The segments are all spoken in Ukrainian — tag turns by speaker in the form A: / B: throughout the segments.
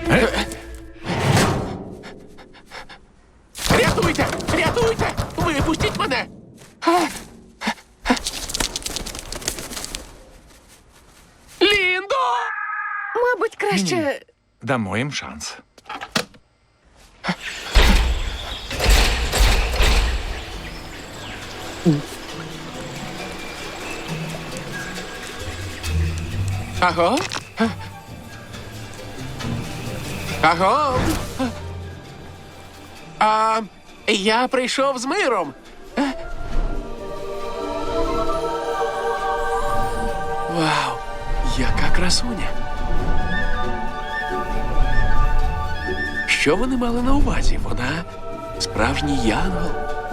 A: Рятуйте! Рятуйте! Випустіть мене! Ліндо!
B: Мабуть, краще.
C: Дамо їм шанс.
A: Аго? Аго? Я прийшов з миром. Вау, яка красуня. Що вони мали на увазі? Вона справжній янгол.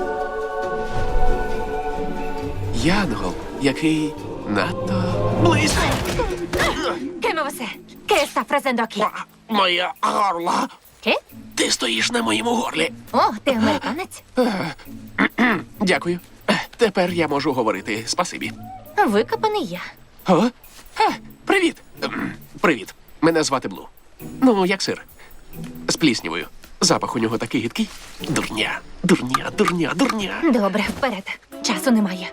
A: Янгол, який надто близько.
D: Che muovese? Che sta facendo qui?
A: Моє горло.
D: Che?
A: Ти стоїш на моєму горлі.
D: О, ти американець?
A: Дякую. Тепер я можу говорити спасибі.
D: Викопаний я.
A: О? Привіт. Привіт. Мене звати Блу. Ну, як сир. З пліснявою. Запах у нього такий гидкий. Дурня, дурня, дурня, дурня.
D: Добре, вперед. Часу немає.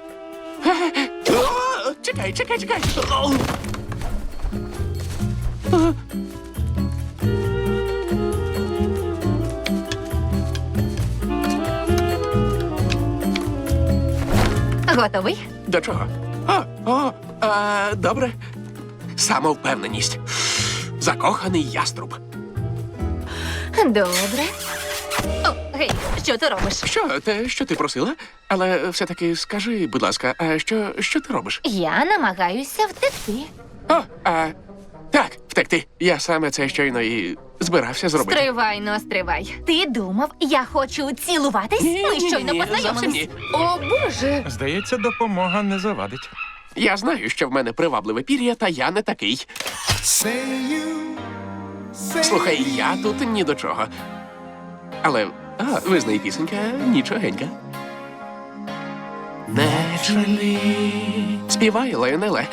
A: О, чекай, чекай, чекай. О.
D: Готовий?
A: До чого? Добре. Самовпевненість. Закоханий яструб.
D: Добре. О, гей, що ти робиш?
A: Що, те, що ти просила? Але все-таки скажи, будь ласка, а що ти робиш?
D: Я намагаюся втекти.
A: Так, втекти. Я саме це щойно і збирався зробити.
D: Стривай, но стривай. Ти думав, я хочу цілуватись? Ми щойно
A: зовсім
D: познайомились.
A: ні.
B: О, Боже!
C: Здається, допомога не завадить.
A: Я знаю, що в мене привабливе пір'я, та я не такий. Слухай, я тут ні до чого. Але, визнай, пісенька нічогенька. Naturally. Співай, Лайонеле.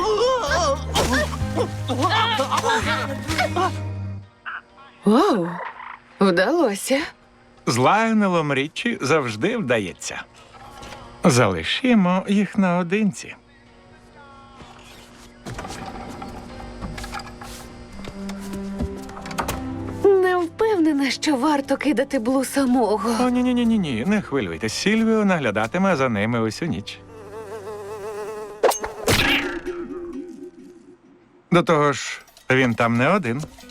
B: Вау! Вдалося.
C: З Лайонелом Річчі завжди вдається. Залишімо їх наодинці.
B: Не впевнена, що варто кидати Блу самого.
C: О, ні, не хвилюйтесь. Сільвіо наглядатиме за ними усю ніч. До того ж, він там не один.